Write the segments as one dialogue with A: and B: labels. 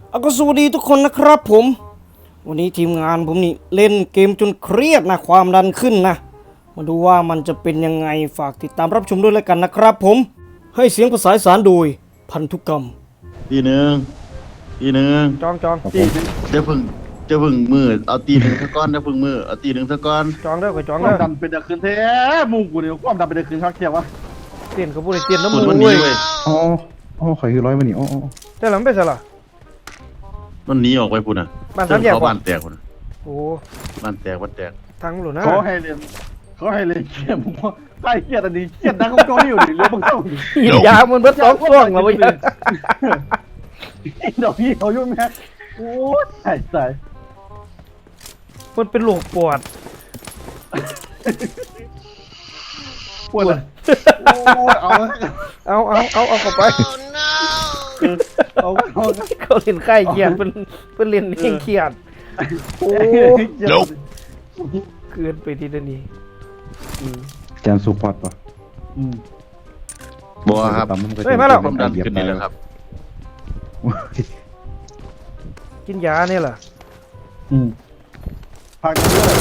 A: ก็สวัสดีทุกคนนะครับผมวันนี้ทีมงานผมนี่เล่นเกมจนเครียดนะความดันขึ้นนะมาดูว่ามันจะเป็นยังไงฝากติดตามรับชมด้วยแล้วกันนะครับผมให้เสียงภาษาอีสานโดยพันธุกรรม
B: ตีหนึ่ง
A: จอง
B: ตีเดี๋ยวพึ่งมือเอาตีหนึ่งซะก้อนเดี๋ยวพึ่งมือเอาตีหนึ่งซะก้อน
A: จองเด้อไปจอง
C: ควา
A: เด้
C: ม
A: อ
C: ดันเป็นตะคืนแท้มุงกูเนี่ยความดันเป็นตะคืนชักเทียบวะ
A: เตียนกับผู้ใดเตียนน้ำ
B: สุ
A: มู
B: ดวัน
A: เว้
B: นี้
A: ย
B: เว้ย
D: อ๋อข่อยคือร้อยมานี่อ๋อ
A: แต่หลังไปซะล่ะ
B: มันหนีออกไปพุ่นน่ะ
A: บ้านสามแยก
B: เขา
A: ว่ะ
B: บ้านแตกพุ่นน่ะ
A: โอ้
B: บ้านแตกบ้านแตก
A: ทางหลุดนะ
C: เขาให้เรียนเกียร์มึงว่าใต้เกียร์อันนี้เกียร์ดังเขาโจอยู่ดิเรื่องมึงเข้าดิ
A: หินยามันเบิดสองช่วงแล้วเว้ย
C: ดอกพี่เขายุ่งแม่โอ้ยใส่
A: มันเป็นโรคปวด
C: ปวดเลยโอ้ยเอา
A: เอาเข้าไป
C: เอา
A: เขาเล่นไข้เครียดเป็นเล่นเองเครียดโอ้ เกินไปทีเดียวนี้
D: แจนซูพอร์ตป่ะ
B: บัวครับ
A: เฮ้ยมาแล้ว
B: ความดันขึ้นนี่แหละครับ
A: กินยาเนี่ยเหรอ
C: พักกันด้วย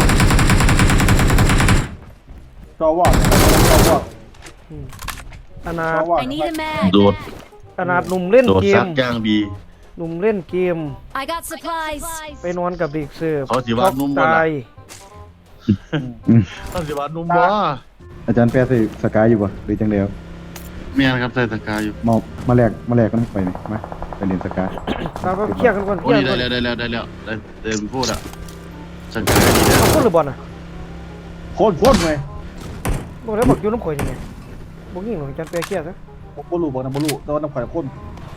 C: จอวอด
A: อนา
C: จ
A: ถ
C: อวอด
E: I need a mag.
B: โดด
A: อนาถหนุ่มเล่น
B: โดด
A: เก
B: ซั
A: ม
B: กย่างบี
A: หนุ่มเล่นเกม
E: I got supplies.
A: ไปนอนกับเด็กเสิร์ฟ
B: เขาสิว่านุ่มบ่
A: ตา
B: ล่ะ
A: ย
B: เขาสิว่านุ่มบ่
D: อาจารย์แปะใส่สกายอยู่ป่ะหรือจังเดียว
B: แม่นครับใส่ตะกร้าอยู่
D: มาแลกกันไปนี่มาไปเรียนสกาย
A: เราไปเคลียร์กันก่อนเค
B: โอ้
A: ลีย
B: นี่
A: ร์กัน
B: ได้แล้วเต็มพูดอ่ะสังเกตดีแล้ว
A: เอาคนหรือบอลน่ะ
C: โคตรเลย
A: บอกแล้วบอกอยู่น้ำข่อยยังไงบอกยิ่งหน่อยจันเปียเคลียร์ซะ
C: บอลูบอกนะบอลูแต่ว่าน้ำข่อยข้น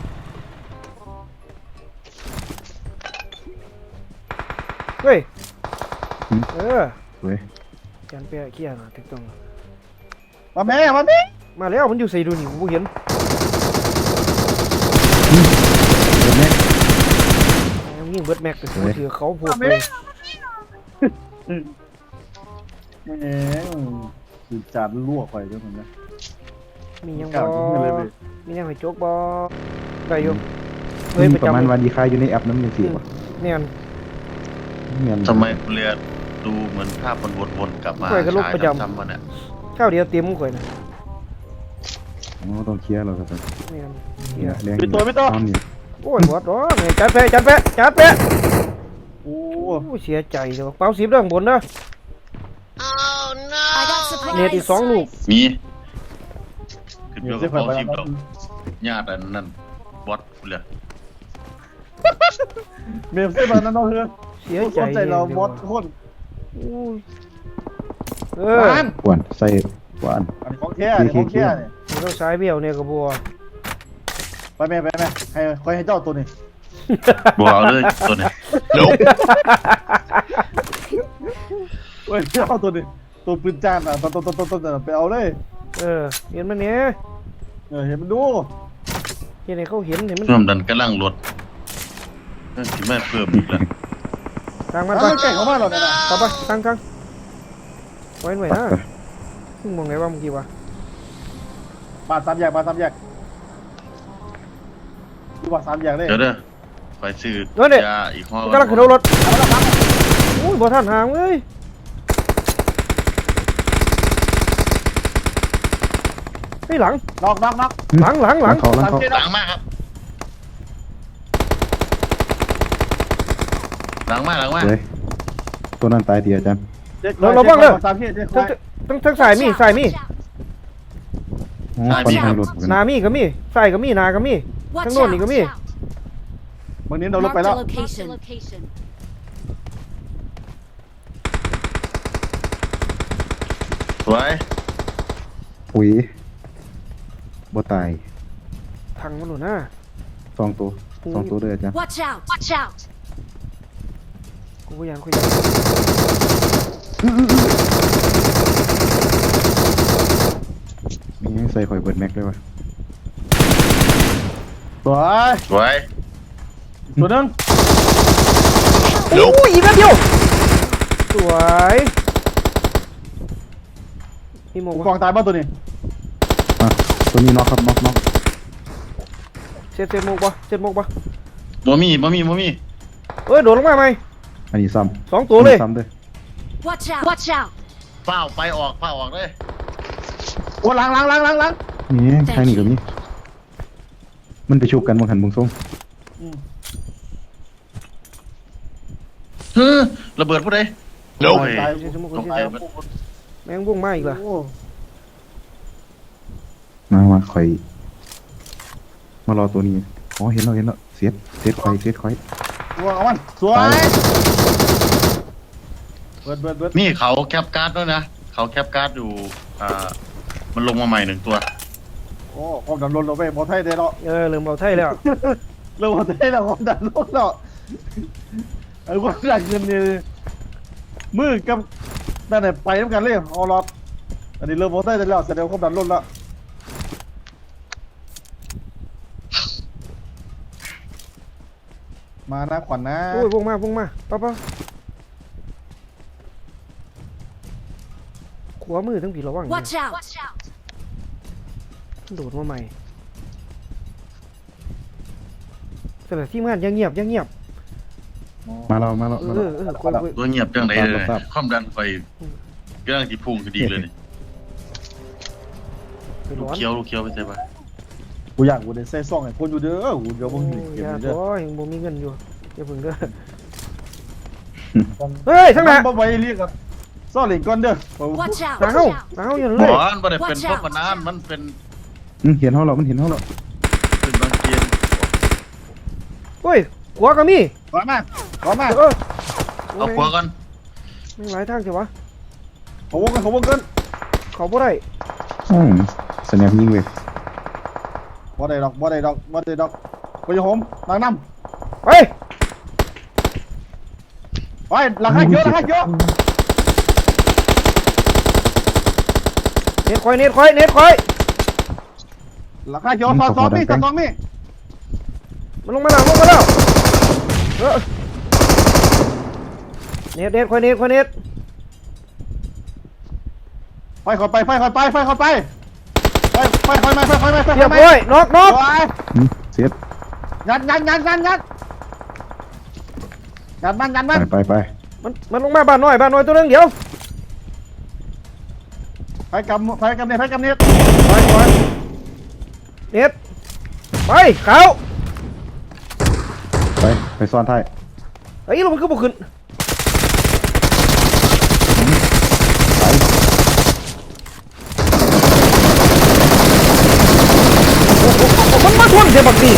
A: เฮ้ยเออ
D: เว้ย
A: จันเปียเคลียร์นะถูกต้อง
C: มาแม่
A: มาแล้วมันอยู่ใส่ดูนี่ผมเห็น
D: เดี๋ยวแม่
A: ยิ่งเบิร์ดแม็กก็ถือเขาพวกเลย
C: แม่คือจานลวกไปด้วยเหมือนกัน
A: มียัง
C: กล่าว
A: บ
C: ถึงเลย
A: อ
C: เว้ย
A: มียังให้โจ๊กบอได้อยู่
D: มีประมาณวันดีค่าอยู่ในแอปน้ำยังสิป่ะ
A: เนี่ย
D: เงิน
B: ทำไมเรือดูเหมือนภาพมันวนๆกลับมาฉายซ้ำๆมาเนี่ย
A: ข้าวเดียวเตรียมข่อยนะ
D: ต้องเคลียร์เราครับ
A: เนี่ย
D: เนี่ยแรง นี่
A: โอ้ยบอสร้อนจันเปะ
C: โอ้
A: โอ้เสียใจเลยเป้า10เรื่องบนนะ
E: I got
A: เน็ตอีก
E: supplies.
A: 2 ลูก
B: มีขึ้น
C: มี
B: อยู่
C: เส้
B: กับ
C: นไฟ
B: เขา
C: ไป
B: ชิม
C: แล้ว
B: ดอกญาติอันนั้นบอสเลย
C: เมมเส้นไฟนั้นน้องเฮือ
A: เสีย
C: คนใจเราบอสคน
A: เออ
D: หวานใส่หวาน
C: อันนี้ของแท้เนี่ยของแท้เนี่ย
A: ต้องสายเบี้ยวเนี่ยกับบัว
C: ไปแม่ให้คอยให้เจ้าตัวนี้
B: บัวเอาเลยตัวนี้โน้
C: เฮ้ยเจ้าตัวนี้ตัวปืนจานอ่ะต้นไปเอาเลย
A: เห็นมันเนี่ย
C: เห็นมันดู
A: เห็นไหนเขาเห็นมัน
B: ร่วมดันกำลังลดนั่นที่แม่เพิ่มอีกแล้ว
A: ทางมัน
C: มั
A: ไป
C: นแก่งเขามากหรอกนะ
A: ต่อไปทางไว้หน่อยนะมึงมองไงว่าเมื่อกี้วะ
C: มา3 แยกดูว่า3 แยกเลย
B: เดี๋ยวเด้อไปซื้อยาอีกห้อก
A: ำลังขึ้นรถโอ้ยบ่ทันห่างเลยเฮ้ยหลัง
C: น็อก
A: หลัง
D: เขา
B: หลังมากครับหลังมาก
D: เลยตัวนั้นตายดีอาจารย์
C: 3 เขต
A: ทั้งสายมี
D: ฟันทางรถ
A: นามีก็มีสายก็มีนาก็มี
E: Watch
A: Thằng nôn thì có
E: out.
A: mi.
C: บางนี้เราลบ
E: Marked
C: ไป
E: a
C: แล้ว
E: location.
B: สวย
D: อุ้ยบ่ตาย
A: ทางมันหนุนนะ
D: 2 ตัวเลยอาจารย์
E: Watch out. Watch out.
A: กูพยายามคุยกัน
D: มีให้ใส่ข่อยเบิร์ดแม็กด้วยวะ
C: สวย
B: สวย
C: ตัวนึง
A: โอ้ยอีกแป๊บเดียวสวยมีหมวก
C: กองตายบ้านตัวนี้
D: ตัวนี้น็อกครับน็อก
A: เซ็ตหมวกปะ
B: บ่มี
A: เอ้ยโดดลงมาไหม
D: อันนี้ซ้
A: สอง
D: ำ
A: ตัวเลย
D: ซ้ำด้วย
E: Watch out! Watch out!
B: เฝ้าไปออกเลย
C: โอ้ล้าง
D: นี่ทางนี้ก็มีมันไปชุบกันบางหันบางทรง
B: เฮ้อระเบิดผู้ใดโอ้ย
C: ตาย
B: ต้องไปมัน
A: แมงบุ้งมาอีกล่ะ
C: โอ้
D: มาข่อยมารอตัวนี้อ๋อเห็นแล้วเสียดข่อย
C: ตัวเอามันสวยเบิด
B: นี่เขาแคปการ์ดด้วยนะเขาแคปการ์ดอยู่มันลงมาใหม่1 ตัว
C: โอ้ความดันลดเราไปบอไทยได้แล้ว
A: ลืมเบาไทยแล้ว
C: เราบอไทยแล้วความดันลดแล้วไอ้ความดันเงินนี่มือกับนั่นแหละไปน้ำกันเลยเอารอดอันนี้เริ่มบอไทยได้แล้วแสดงความดันลดแล้วมานะขวัญนะ
A: โอ้ยวงมาป้าขวามือทั้งผีระวัง
E: Watch out! Watch out!
A: โดดมาใหม่แต่ละทีมงานยังเงียบ
D: มาแล้ว
A: กวน
B: ตัวเงียบจังไดเลย
D: ครับ
B: ความดันไฟกำลังที่พุ่งคดีเลยนี่
A: ร้อน
B: ลูกเคี้ยวไปใช่ปะ
C: กูอยากกูได้ใส่ซองไอ้คนอยู่เด้อกูเดี๋ยวมึงเก็บ
A: อย่า
C: เด้อ
A: ท้อยังบ่มีเงินอยู่อย่าเพิ่งเด้อเฮ้ยทั้งนั้น
C: บ่ไว้เรียกกับซ่อนเหรียญก่อนเด้อ
E: Watch out!
A: หนาว
E: Watch out!
A: หนาวอย่าง
B: ห
A: เล
B: ม
A: ย
B: อนบ่ได้เป็นพวกปนานมันเป็น
D: เห็นเขาแล้วมันเห็นเขาแล้ว
B: เป็นบางเกียน
A: เฮ้ยขวาก็มี
C: ร้อนมาก
B: เอาขวาก่อน
A: ไม่หลายทางใช่ปะ
C: เขาวงกัน
A: เขาบ่ได้
D: แสดงยิงเว้ย
C: บ่ได้ดอกไปโยมล้างน้
A: ไป
C: ำไปหลังให้เยอะ
A: เน็ตคอย
C: หลังให้เยอะซ้อมนี่
A: มันลงมาแล้วเน็ตคอยเน็ต
C: ไฟเข้าไป
A: เรียบร้อยน็อก
D: เสียด
C: ยัดมัน
D: ไป
A: มันลงมาบ้านน้อยตัวนึงเดี๋ยว
C: ไฟกำเนี่ย
A: ไปเน็ตไปเขา
D: ไปซ่อนท้าย
A: ไอ้ยมันก็บ่ขึ้นมันมาทวนเสียบักนี่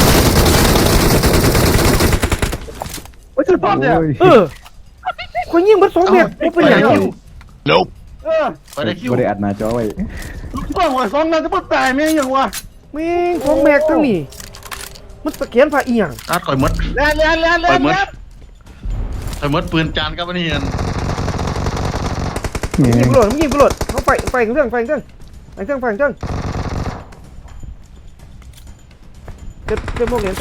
C: โอ้ยสุดยอดเนี่ย
A: คนยิงมัน2 เมตรบ่เป็นหยังอยู่
B: ไปได้คิว
D: ไม่ได้อัดหน้าจอไว้
C: บ้างว่าซ้อมนั่นจะพูดตายไม่ยังวะ
A: แม่ง2 เมตรทั้งนี้มันสแกนผ่าอีหยัง
B: ตัดก่อยมด
C: เล่น
B: ก่อยมดปืนจานกับอันนี้กัน
A: ยิงกูโหลดเขาไฟเครื่องเต็มโมกเหรียญ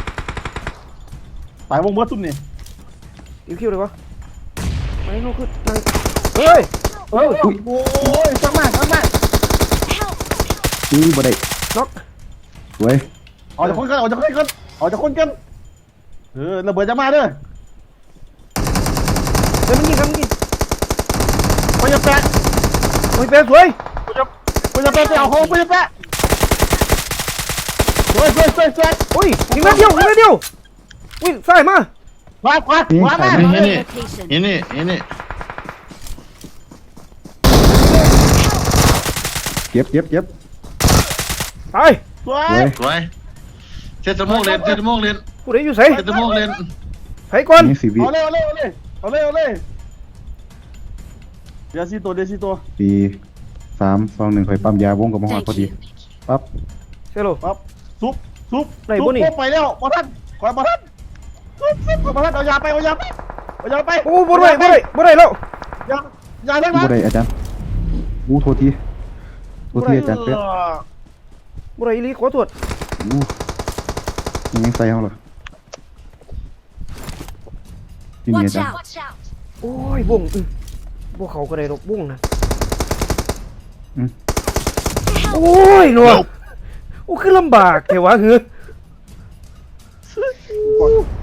C: ตายวงเมื่อตุ้มนี่
A: อีคิวเลยวะไม่รู้คือเฮ้ย
C: โอ้ยสักมาก
E: Help!
D: บ่ได้
A: น็อก
D: เว้ย
C: ออกจากคนกันระเบิดจะมาเด้อ
A: เฮ้ยมันยิงกัน
C: ไปจะแปะ
A: โอ้ยเป๊ะสวย
C: ไปจะแปะไปเอาโค้งไปจะแปะสวย
A: โอ้ยยิงนัดเดียววิ่งใส่มา
C: ขวามา
B: นี่นี่
D: เจ็บ
A: ตาย
C: สวย
D: เว้ย
B: สวยเซตโมกเล่น
A: ผู้ใดอยู่ใส่
B: เซตโมกเล่น
A: ไผก่อน
D: นี่สิวิ
C: เอาเลยเดี๋ยวซีตัว
D: 4 3 2 1ข่อยปั๊มยาวงกับมหอดพอ
E: Thank
D: ดี
E: you.
D: ปั๊บ
A: เซโล
C: ปั๊บซุปไปแล้วบอทันคอยบอทันซุปบอทันเอายาไป
A: โอ้บ่ได้แล้ว
C: ยาได้ไหม
D: บ่ได้อาจารย์โทษทีอาจารย์เป็ด
A: บ่ได้อีหลีขอโทษ
D: ยังใส่เฮาเหรอนี่อา
E: Watch
D: จารย์
E: out! Watch out!
A: โอ้ยบงบ่เขาก็ได้ดอกบงนะโอ้ยหนัวโอ้คือลำบากแค่วะ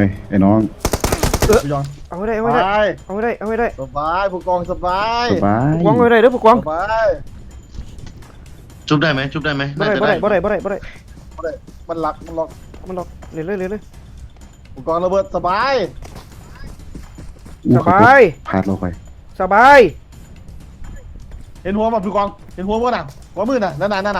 D: ไอ้น้อง
C: พี่ยอง
A: เอาให้ได้
C: ส
A: เอาให้ได้
C: บาย
A: เอาให้ได้เอาให้ได้
C: สบายผู้กองสบาย
D: สบาย
A: กวางเอาให้ได้เด้อผู้กวาง
C: สบาย
B: ชุบได้ไหมชุบได้ไหม
A: บ่
B: น่า
A: ได้
B: จะ
A: บ่
B: ได้
A: ได้บ่ได้บ่ได้บ่ได้
C: มันหลักมันหลอก
A: มันหลอกเลยเลยเลยเลย
C: ผู้กองระเบิดสบาย
D: อู้
A: สบาย
D: พาดเราไป
A: สบาย
C: เห็นหัวมั้ยผู้กองเห็นหัวมั้ยน่ะหัวมือน่ะนั่นน่ะ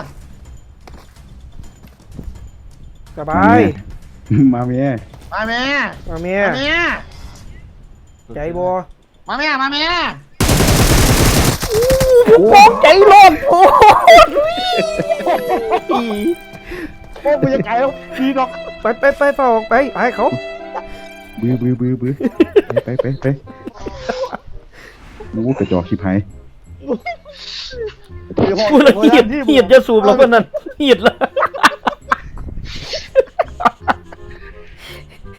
A: สบาย
D: มาเมีย
C: มาแม่
A: มาเมีย
C: มาแม่
A: ใจบ่
C: มาแม่มาแม่
A: ผู้กองใจร้อนโอ้ย
C: โอ้กูจะไกลแล้วพี่ดอก
A: ไปเฝ้าออกไปให้เขา
D: บื้อไปอู้กระจอกชิบหาย
A: พูดละเหียดจะสูบแล้วคนนั้นเหียดละ